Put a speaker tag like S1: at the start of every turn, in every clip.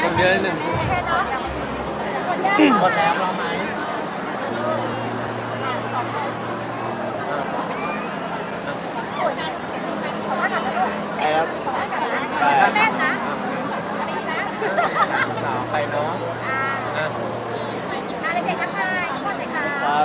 S1: คนเดียวนิดนึง
S2: หมดแล้วรอไหม
S3: ไอ้ครับ
S2: แม่นะสาวไปเนาะ
S3: อะไรเด็กทักทายทุกคนเลยค่ะ
S1: ครับ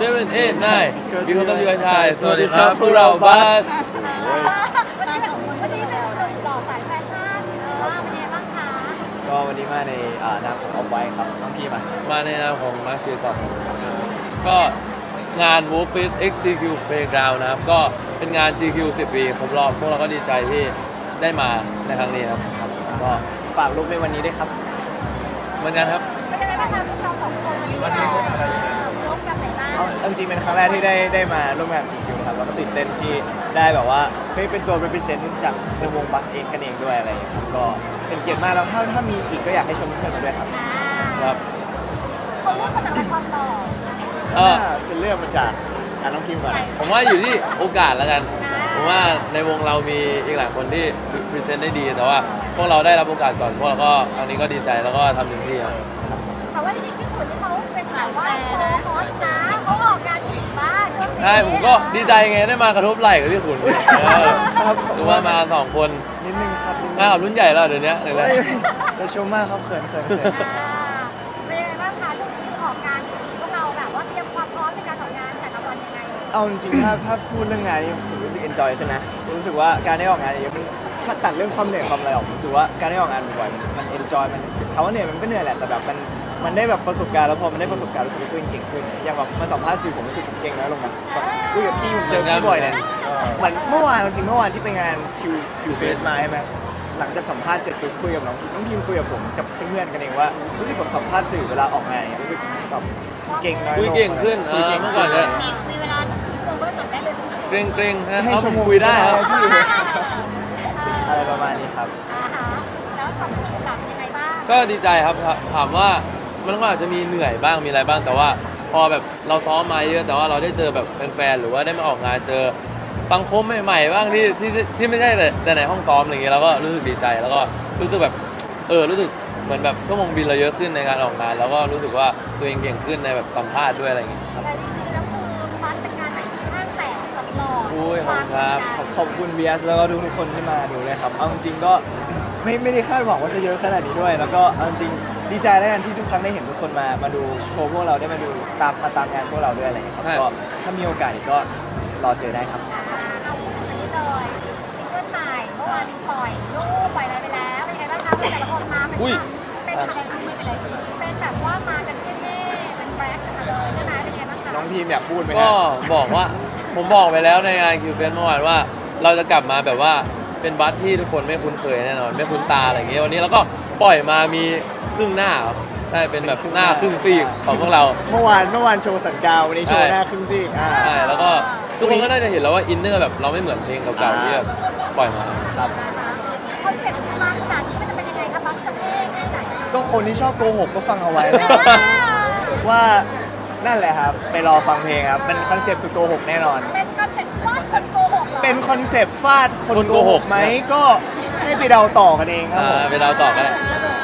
S1: 7 8 9พี่คนต้องอยู่กันชายสวัสดีครับพวกเราบัส
S3: วันนี้เป็นหล่อสายแฟชั่นเป็นยังไงบ้างคะ
S4: ก็วันนี้มาในนามของออฟไว้ครับน้องพี่มา
S1: ในนามของมาร์คเจสันก็งาน Wolf Fest X GQ Playground นะครับก็เป็นงาน GQ 10 ปีครบรอบพวกเราก็ดีใจที่ได้มาในครั้งนี้ครับ
S4: ก็ฝากลูกในวันนี้ด้วยครับ
S1: เหมือนกันครับ
S3: เป็นยังไงบ้างคะเราสองคน
S2: วันนี้พบอะไรยังไง
S3: พบแบบไหนบ้าง
S4: จริงๆเป็นครั้งแรกที่ได้มาร่วมงาน GQ ครับแล้วก็ตื่นเต้นที่ได้แบบว่าเฮ้ยเป็นตัว represent จากในวงบัสเองกันเองด้วยอะไรอย่างเงี้ยครับก็เป็นเกียรติมากแล้วถ้ามีอีกก็อยากให้ชวนเพื่อนมาด้วยครับ
S1: ครับ
S3: เขาเลือกมาจากอะไรความหล่อ
S4: จะเลือกมาจากน้องพิมก่อน
S1: ผมว่าอยู่ที่โอกาสแล้วกันผมว่าในวงเรามีอีกหลายคนที่พรีเซนต์ได้ดีแต่ว่าพวกเราได้รับโอกาสก่อนพวกเราก็ครั้งนี้ก็ดีใจแล้วก็ทำเต็มที่ครับ
S3: แต่ว่าจริงๆพี่ขุนที่เขาเป็นแบบว่าโซฮอตนะเขาออกงานถี่มากช่วงนี้
S1: ใช่ผมก็ดีใจไงได้มากระทบไหล่กับพี่ขุน
S4: ครับ
S1: หรือว่ามา2 คน
S4: นิดนึงครับ
S1: มากับรุ่นใหญ่แล้วเดี๋ยวนี้เลย
S4: จะชมมากครับเขิน
S3: เป็นยังไงบ้างคะช่วงนี้ออกงานถี่พวกเราแบบว่าเตรียมความพร้อมในการออกงานแต่ละวันยังไง
S4: เอาจริงๆถ้าพูดเรื่องงานนี้ผมรู้สึกเอนจอยขึ้นนะรู้สึกว่าการได้ออกงานเยอะมันถ้าตัดเรื่องความเหนื่อยความอะไรออกรู้สึกว่าการได้ออกงานบ่อยๆมันเอนจอยมันถามว่าเหนื่อยมันก็เหนื่อยแหละแต่แบบมันได้แบบประสบการณ์แล้วพอมันได้ประสบการณ์รู้สึกว่าตัวเองเก่งขึ้นอย่างแบบมาสัมภาษณ์สื่อผมรู้สึกผมเก่งน้อยลงนะแบบคุยกับพี่ผมเจอพี่บ่อยเนี่ยเหมือนเมื่อวานจริงเมื่อวานที่ไปงานคิวเฟสมาใช่ไหมหลังจากสัมภาษณ์เสร็จปุ๊บคุยกับน้องพิมคุยกับผมกับเพื่อนกันเองว่ารู้สึกผมสัมภาษณ์สื่อเวลาออกงานรู้สึกแบบเก่งน้อยลง
S1: คุยเก่งขึ้นเมื่อก่อนเลย
S3: มีเวลาชั่วโมงเบอร์สดได้เลย
S1: เกรง
S4: ให้ชั่วโมง
S1: คุยได้ครับ
S4: อะไรประมาณนี้ครับ
S3: แล้วของทีมแบบยังไงบ้าง
S1: ก็ดีใจครับถามว่ามันก็อาจจะมีเหนื่อยบ้างมีอะไรบ้างแต่ว่าพอแบบเราซ้อมมาเยอะแต่ว่าเราได้เจอแบบแฟนๆหรือว่าได้มาออกงานเจอสังคมใหม่ๆบ้างที่ไม่ใช่แต่ในห้องซ้อมอะไรเงี้ยเราก็รู้สึกดีใจแล้วก็รู้สึกแบบรู้สึกเหมือนแบบชั่วโมงบินเราเยอะขึ้นในการออกงานแล้วก็รู้สึกว่าตัวเองเก่งขึ้นในแบบสัมภาษณ์ด้วยอะไรอย่างเงี้ยครับ
S3: แต่จริงๆแล้วคือบัสเป็นงานไหนที่ห้างแตกตลอด
S1: ขอบคุณครับ
S4: ขอบคุณ BS แล้วก็ทุกคนที่มาดูเลยครับเอาจริงๆก็ไม่ได้คาดหวังว่าจะเยอะขนาดนี้ด้วยแล้วก็เอาจริงดีใจแล้วกันที่ทุกครั้งได้เห็นทุกคนมาดูโชว์พวกเราได้มาดูตามงานพวกเราด้วยอะไรอย่างเงี้ยครับก็ถ้ามีโอกาสก็รอเจอได้ครับ
S3: เอาพูดอันนี้เลยซิงเกิลใหม่เมื่อวานมีปล่อยรูปปล่อยอะไรไปแล้วเป็นยังไงบ้างคะแต่ละคนมาเป็นแบบว่ามากันเท่ๆเป็นแบล็คกันเลยใช่ไหมเป็นยังไงบ้างคะ
S4: น้องทีมอยากพูดไหม
S1: ก็บอกว่าผมบอกไปแล้วในงานคิวเฟสเมื่อวานว่าเราจะกลับมาแบบว่าเป็นบัสที่ทุกคนไม่คุ้นเคยแน่นอนไม่คุ้นตาอะไรอย่างเงี้ยวันนี้เราก็ปล่อยมามีครึ่งหน้าใช่เป็นแบบหน้าครึ่งซีกของพวกเรา
S4: เมื่อวานโชว์สันกาววันนี้โชว์หน้าครึ่งซีก
S1: ใช่แล้วก็ทุกคนก็น่าจะเห็นแล้วว่าอินเนอร์แบบเราไม่เหมือนเพลงเก่าๆที่แบบปล่อยมา
S4: ครับ
S3: คอนเซ็ปต์มาขนาดนี้มันจะเป็นยังไงคะบัสจะเท่แค่ไหน
S4: ก็คนที่ชอบโกหกก็ฟังเอาไว้นะว่านั่นแหละครับไปรอฟังเพลงครับเป็นคอนเซ็ปต์คือโกหกแน่นอน
S3: เป็นคอนเซ็ปต์ฟาดคนโกหก
S4: เป็นคอนเซ็ปต์ฟาดคนโกหกไหมก็ให้ไปเดาต่อกันเองครับ
S1: ไปเดาต่อกัน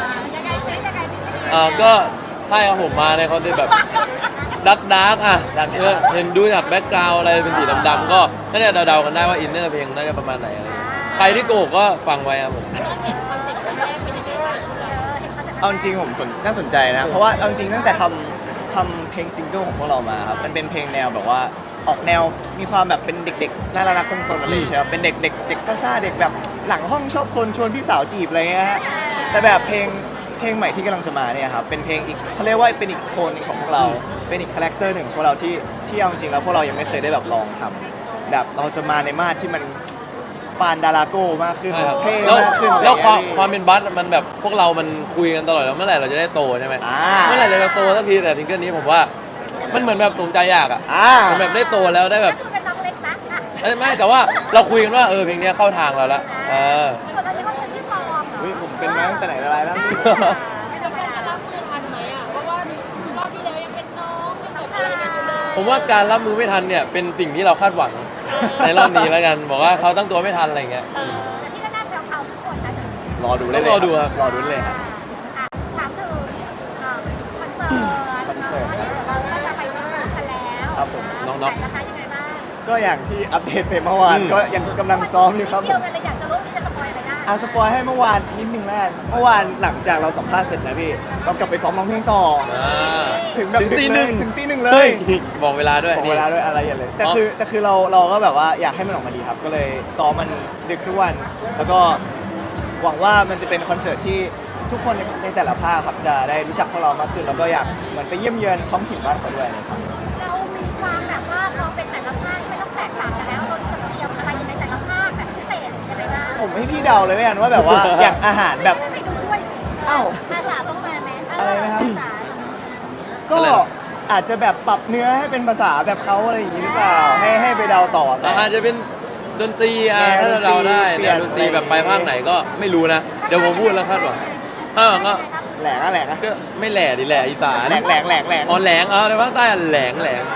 S1: ก็ใช่ครับผมมาในคอนเซ็ปต์แบบดักเห็นดูจากแบ็คกราวด์อะไรเป็นสีดำๆก็น่าจะเดาๆกันได้ว่าอินเนอร์เพลงน่าจะประมาณไหนอะไรใครที่โกหกก็ฟังไว้ครับผม
S4: เอาจริงผมน่าสนใจนะเพราะว่าเอาจริงตั้งแต่ทำเพลงซิงเกิลของพวกเรามาครับมันเป็นเพลงแนวแบบว่าออกแนวมีความแบบเป็นเด็กๆน่ารักๆซนๆอะไรใช่ไหมเป็นเด็กซ่าๆเด็กแบบหลังห้องชอบซนชวนพี่สาวจีบอะไรเงี้ยฮะแต่แบบเพลงใหม่ที่กำลังจะมาเนี่ยครับเป็นเพลงอีกเขาเรียกว่าเป็นอีกโทนนึงของพวกเราเป็นอีกคาแรคเตอร์หนึ่งของพวกเราที่เอาจริงแล้วพวกเรายังไม่เคยได้แบบลองทำแบบเราจะมาในมาตรที่มันปานดาราโก้มากขึ้นเท่มากขึ้น
S1: แล้วความเป็นบัสมันแบบพวกเรามันคุยกันตลอดแล้วเมื่อไหร่เราจะได้โตใช่ไหมเมื่อไหร่เราจะโตสักทีแต่ซิงเกิลนี้ผมว่ามันเหมือนแบบสมใจอยากมันแบบได้โตแล้วได้แบบ
S3: เป็นน้องเล็กนะ
S1: ไม่แต่ว่าเราคุยกันว่าเพลงนี้เข้าทางเราแล้ว
S3: ส่วนอันนี้เขาเป็นที่ปลอม
S4: ผมเป็นมาตั้งแต่ไหนแต่ไรแล้ว
S3: ไม่ธรรมดารับมือทันไหมเพราะว่ารอบที่แล้วยังเป็นน้องเป็นแบบอะไรกันอยู่เลย
S1: ผมว่าการรับมือไม่ทันเนี่ยเป็นสิ่งที่เราคาดหวังในรอบนี้แล้วกันบอกว่าเขาตั้งตัวไม่ทันอะไรเงี้ย
S3: แต่ที่แน่ๆเขาทุกคนนะ
S4: รอดูเลย
S1: รอดูครับ
S4: รอดูเลยครับ
S3: ไหนนะคะยังไงบ้าง
S4: ก็อย่างที่อัปเดตไปเมื่อวาน
S1: อืม
S4: ก็ยังกำลังซ้อมอยู่ครับ
S3: เดียวกันเลยอยากจะรู้ที่จะสปอยอะไรได้
S4: สปอยให้เมื่อวานนิดนึงแล้วกันเมื่อวานหลังจากเราสัมภาษณ์เสร็จนะพี่เรากลับไปซ้อมร้องเพลงต่อ
S1: อ่า
S4: ถึงแบบ
S1: ถึงตี
S4: ดึก
S1: ห
S4: เล
S1: นึ่
S4: ย
S1: ง
S4: ถึงตีหนึ่งเล
S1: เฮ้
S4: ย
S1: ยบอกเวลาด้วย
S4: บอกเวลาด้วยอะไรอย่างเลยแต่คือเราก็แบบว่าอยากให้มันออกมาดีครับ ก็เลยซ้อมมันดึกทุกวัน แล้วก็หวังว่ามันจะเป็นคอนเสิร์ตที่ทุกคนในแต่ละภาคครับจะได้รู้จักพวกเรามากขึ้นแล้วก็อยากเหมือนไปเยี่ยมเยือนท้องถิ่นบ้านเขาด้วยนะครับ
S3: เรามีความแบบว่าเราเป็นแต่ละภาคไม่ต้องแตกต่างกันแล้วเราจะเตรียมอะไรในแต่ละภาคแบบพิเศษยังไงบ้าง
S4: ผมให้พี่เดาเลยกันว่าแบบว่า อย่างอาหารแบบ
S3: ไปดูด้วยสิ
S4: อ้าว
S3: ภาษาต้องมาไหม
S4: อะไรนะครับ
S3: ภาษา
S4: ก็อาจจะแบบปรับเนื้อให้เป็นภาษาแบบเขาอะไรอย่างนี้หรือเปล่าให้ไปเดาต่อแต่
S1: อาจจะเป็นดนตรีอ่ะ
S4: แนว
S1: ถ้าเราได้
S4: ดนตรี
S1: แนวดนตรีแบบไปภาคไหนก็ไม่รู้นะ เดี๋ยวผมพูดแล้วคาดหวังถ้าหวังก็
S4: แหลงอะแหลงอะ
S1: ก็ไม่แหล่ดิแหล่อีสาน
S4: แหลงแหลงแหลงแหลง
S1: อ๋อแหลงในภาคใต้อะแหลง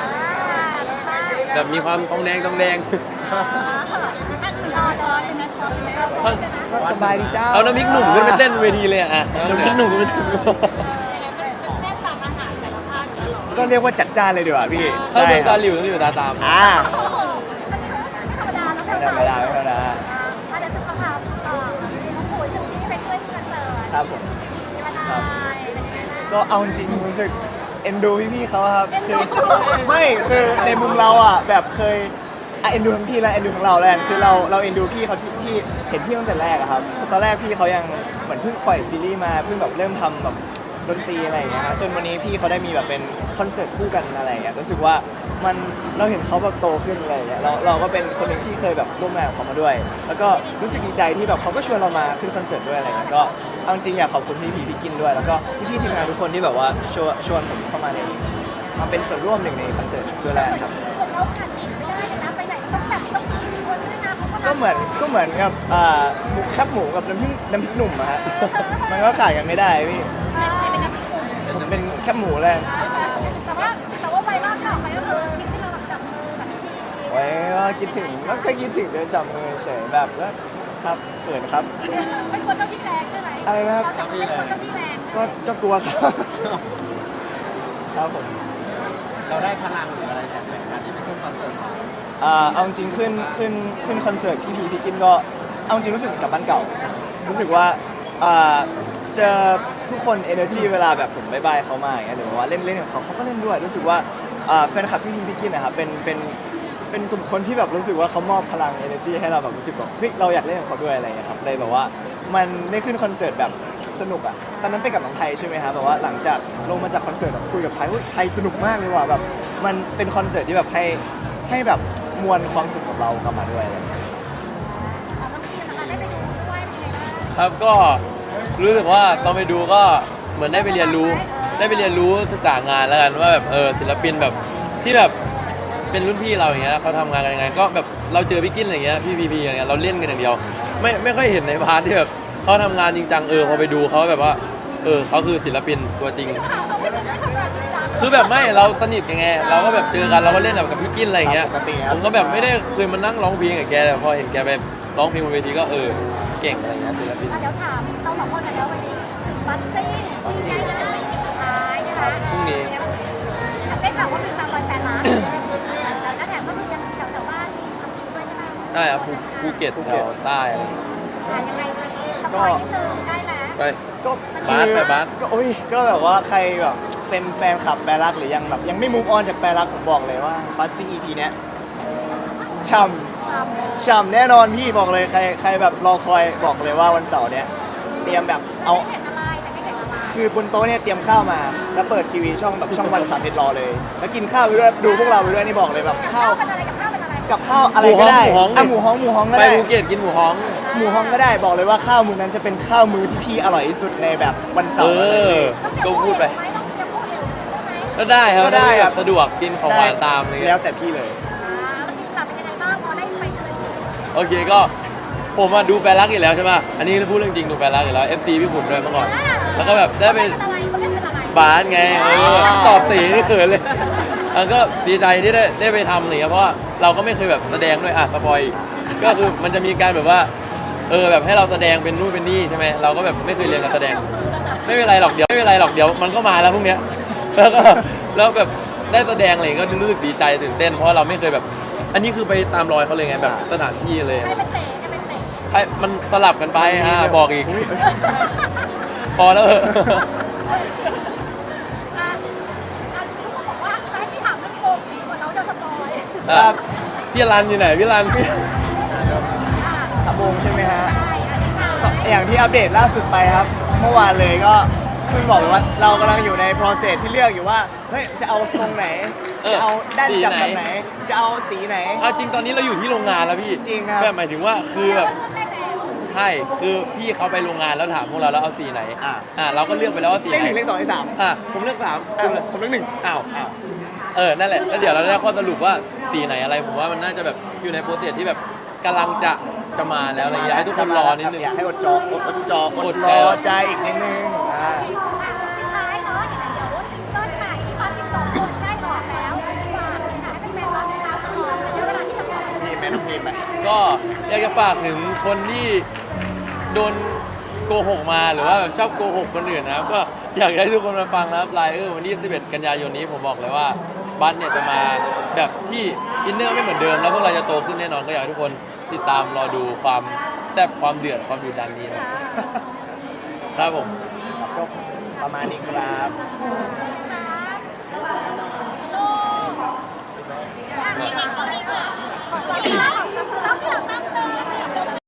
S1: แบบมีความทองแดง
S3: รอเลยไหมรอเลยไหม
S4: ก็สบายดีจ้า
S1: เอาน้ำพริกหนุ่มขึ้นไปเต้นเวทีเลยอ่ะน้ำพริกหนุ่มขึ้นไปเต้น
S4: ก็เรียกว่าจัดจ้านเลยดีกว่าพี่
S1: ถ้า
S4: ใช่
S1: ดู
S4: ค
S1: ตา
S4: รับ
S1: หลิวต้องอยู่ตาตาม
S4: อ่า
S3: โอ้โหไม่ธรรมดาแล้ว
S4: ไม่ธรรมดาไม่ธรรมดา
S3: อาจจะคือคำถามน้องปุ๋ยถึงที่ไปช่วยคอนเสิร์ต
S4: ครับผม
S3: มีวันอะไรเป็นยังไงบ้าง
S4: ก็เอาจริงๆรู้สึกเอ็นดูพี่ๆเขาครับ
S3: เอ็น
S4: คื
S3: ดู
S4: ไม่คือในมุมเราอ่ะแบบเคยเอ็นดูทั้งพี่และเอ็นดูทั้งเราแล้วกันคือเราเอ็นดูพี่เขาที่เห็นพี่ตั้งแต่แรกอะครับคือตอนแรกพี่เขายังเหมือนเพิ่งปล่อยซีรีส์มาเพิ่งแบบเริ่มทำแบบดนตรีอะไรอย่างเงี้ยฮะจนวันนี้พี่เขาได้มีแบบเป็นคอนเสิร์ตคู่กันอะไรอย่างเงี้ยรู้สึกว่ามันเราเห็นเขาแบบโตขึ้นอะไรอย่างเงี้ยเราก็เป็นคนหนึ่งที่เคยแบบร่วมงานกับเขามาด้วย แล้วก็รู้สึกดีใจที่แบบเขาก็ชวนเรามาขึ้นคอนเสิร์ตด้วยอะไรเงี้ยก็เอาจริงอยากขอบคุณพี่กินด้วย แล้วก็พี่ทีมงานทุกคนที่แบบว่าชวนผมเข้ามามาเป็นส่วนร่วมหนึ่งในคอนเสิร์ตด้วยแหละครับ
S3: คนเราขาดหนีไม่ได้เลยนะไปไหนต้องแบบต้องมีคนด้วยนะเขา
S4: ก็เหมือนกับหมูแคบหมูกับน้ำพริกหนุ่มอะฮะ มันก็ขาดกันไม่ได้พี่
S3: เป็นนักกลุ่ม
S4: ผมเป็นแคบหมูเลย
S3: แต่ว่าไวรัลข่าวไปก็คือคลิปที่เราจับมือกับพี่พี
S4: ไว้ว่าคิดถึงก็คิดถึงเดินจับมือเฉยแบบแล้วครับเขินครับ
S3: ไม่กลัวเจ้าที่แรงใช่ไหม
S4: อะไรนะครับ
S3: เราจับมือไม่กลัวเจ้าที่แรง
S4: ก็กลัวครับ ครับผม
S2: เราได้พลังหรืออะไรจากการที่ไปขึ้นคอนเสิร์ตของ
S4: เอาจริงขึ้นคอนเสิร์ตพี่กินก็เอาจริงรู้สึกเหมือนกลับบ้านเก่า รู้สึกว่าเจอทุกคน energy เวลาแบบผมบายเขามาอย่างเงี้ยหรือว่าเล่นกับเขาก็เล่นด้วยรู้สึกว่าแฟนคลับพี่กินนะครับเป็นกลุ่มคนที่แบบรู้สึกว่าเขามอบพลัง energy ให้เราแบบรู้สึกแบบเฮ้ยเราอยากเล่นกับเขาด้วยอะไรอย่างเงี้ยครับเลยแบบว่ามันได้ขึ้นคอนเสิร์ตแบบสนุกอ่ะตอนนั้นไปกับน้องไทยใช่ไหมครับแบบว่าหลังจากลงมาจากคอนเสิร์ตอะคุยกับไทยว่าไทยสนุกมากเลยว่ะแบบมันเป็นคอนเสิร์ตที่แบบให้แบบมวลความสุขกับเรากลับมาด้วยอะไรอย่างเงี้ย
S3: เราต้องพีนะคะได้ไปดูด้วยเป็นไงบ้าง
S1: ครับก็รู้สึกว่าตอนไปดูก็เหมือนได้ไปเรียนรู้ศึกษางานแล้วกันว่าแบบศิลปินแบบที่แบบเป็นรุ่นพี่เราอย่างเงี้ยเขาทำงานกันยังไงก็แบบเราเจอพี่กินอะไรเงี้ยพี่พีอย่างเงี้ยเราเล่นกันอย่างเดียวไม่ค่อยเห็นในพาร์ทที่แบบเขาทำงานจริงจังพอไปดูเขาแบบว่าเขาคือศิลปินตัวจริง
S3: เขาไม่ได้ทำงานจริงจัง
S1: คือแบบไม่เราสนิทกันไงเราก็แบบเจอกันเราก็เล่นแบบกับพี่กินอะไรอย่างเงี้ย
S4: ปกติครับ
S1: ผมก็แบบไม่ได้เคยมานั่งร้องเพลงกับแกแต่พอเห็นแกไปร้องเพลงบนเวทีก็เก่งอะไรเงี้ยศิลปิน
S3: เดี๋ยวถามเราสองคนกันเดี๋ยววันนี้ถึงบัสซี่ที่ใกล้จะถึงในปีสุดท้ายนะคะ
S1: พรุ่งนี้
S3: ฉันได้ข่าวว่ามีตามรอย8 ล้านแล้วแถมก็คือยังแถวบ้านน้ำพริกด้วยใช่ไหม
S1: ใช่ครับภูเก็ตแถวใต้อะไร
S3: ยังไงสิสปอยนิดนึงใกล้แล้ว
S1: ไป
S4: ก็
S1: บาสไปบาส
S4: ก็โอ้ยก็แบบว่าใครแบบเป็นแฟนคลับแปรรักหรือยังแบบยังไม่มูฟออนจากแปรรักผมบอกเลยว่าบัสซี่ EP เนี้ยช่ำ ฉ่ำแน่นอนพี่บอกเลยใครแบบรอคอยบอกเลยว่าวันเสาร์เนี้ยเตรียมแบบเอา
S3: จะไม่เห็นอะไรจะไม่เห็นอะไร
S4: คือบนโต๊ะเนี่ยเตรียมข้าวมา แล้วเปิดทีวีช่องแบบช่องวัน31รอเลย แล้วกินข้าวไปด้วยดูพวกเราไปด้วยนี่บอกเลยแบบข้าว
S3: เป็นอะไรกับข้าวเป็นอะไร
S4: กับข้าวอะไรก็ได้อ่ะหมูฮ้องก็
S1: ไป
S4: ได้
S1: ภูเก็ตกินหมูฮ้อง
S4: หมูฮ้องก็ได้บอกเลยว่าข้าวมื้อนั้นจะเป็นข้าวมื้อที่พี่อร่อยที่สุดในแบบวันเสาร์เลย
S1: ก็พูดไป
S3: ต้องเตรียมผู้เห็นไหม
S1: ก็ได้ครับ
S4: ก็ได้ครับ
S1: สะดวกกินของหวานตามอะไร
S4: แล้
S1: เงี้
S4: วย แต่พี่เลย
S3: แล้วพี่กลับเป็นยังไงบ้างพอได้ไปเลยที
S1: โอเคก็ผมมาดูแปรรักอยู่แล้วใช่ป่ะอันนี้พูดเรื่องจริงดูแปรรักอยู่แล้ว FC พี่ขุนด้วยเมื่อก่อน แล้วก็แบบได้ไป
S3: เป็นอะไรเขาเล่นเป็นอะไร
S1: บาสไงตอบตีนี่เขินเลยแล้วก็ดีใจที่ได้ไปทำอะไรเงี้ยเพราะว่าเราก็ไม่เคยแบบแสดงด้วยสปอยก็คือมันจะมีการแบบว่าแบบให้เราแสดงเป็นนู่นเป็นนี่ใช่ไหมเราก็แบบไม่เคยเรียนการแสดง ไม่เป็นไรหรอกเดี๋ยวมันก็มาแล้วพวกเนี้ยแล้วแบบได้แสดงอะไรก็รู้สึกดีใจตื่นเต้นเพราะว่าเราไม่เคยแบบ อันนี้คือไปตามรอยเขาเลยไงแบบสถานที่เลย
S3: ใครเป็นเต๋ใครเป็นเต๋
S1: ใครมันสลับกันไปบอกอีก พอแล้วเหอะ
S3: อ่ะทุกคนบอกว่าจะให้พี่ถามเรื่องโกงดีกว่าน้องจะสปอย
S4: ครับ
S1: พี่รันอยู่ไหนพี่รัน
S4: ขบงใช่ไหมฮะ
S3: ใช่อันนี้ค่ะ
S4: ก็อย่างที่อัปเดตล่าสุดไปครับ เมื่อวานเลยก็เพิ่งบอกไปว่าเรากำลังอยู่ใน process ที่เลือกอยู่ว่าเฮ้ยจะเอาทรงไหน จะเอาด้านจับแบบไหน จะเอาสีไหน
S1: เอาจริงตอนนี้เราอยู่ที่โรงงานแล้วพี่
S4: จริงครับ
S1: แบบหมายถึงว่าคือแบบ
S3: เลือกได้แล้ว
S1: ใช่คือพี่เขาไปโรงงานแล้วถามพวกเราแล้วเอาสีไหน เราก็เลือกไปแล้วว่าสี
S4: เลข
S1: ไห
S4: ห
S1: น
S4: นึ่งเลขสองเลขสาม
S1: ผมเลือกสาม
S4: ผมเลขหนึ่ง
S1: อ้าวนั่นแหละแล้วเดี๋ยวเราได้ข้อสรุปว่าสีไหนอะไรผมว่ามันน่าจะแบบอยู่ในโปรเซสที่แบบกำลังจะมาแล้วอะไรอย่างเงี้ยให้ทุกคนรอนิดนึง
S4: อยากให้อดรอใจอีกนิดนึง
S3: สุดท้ายเนาะเดี๋ยวซิงเกิลใหม่ที่มา12 คนใกล้ออกแล้วฝากเลยค่ะให้แฟนๆรอติดตามตลอดระยะเวลาที่จะปล่อย
S4: พีมแม่น้องพีมไป
S1: ก็อยากจะฝากถึงคนที่โดนโกหกมาหรือว่าแบบชอบโกหกคนอื่นนะครับก็อยากให้ทุกคนมาฟังนะครับไลเออร์วันที่11 กันยายนนี้ผมบอกเลยว่าบัสเนี่ยจะมาแบบที่อินเนอร์ไม่เหมือนเดิมแล้วพวกเราจะโตขึ้นแน่นอนก็อยากให้ทุกคนติดตามรอดูความแซ่บความเดือดความดุดันนี้นะครับผม
S4: ก็ประมาณนี้ครับ
S3: เด็กๆก็มีค่ะขอซับเหลืองบ้าง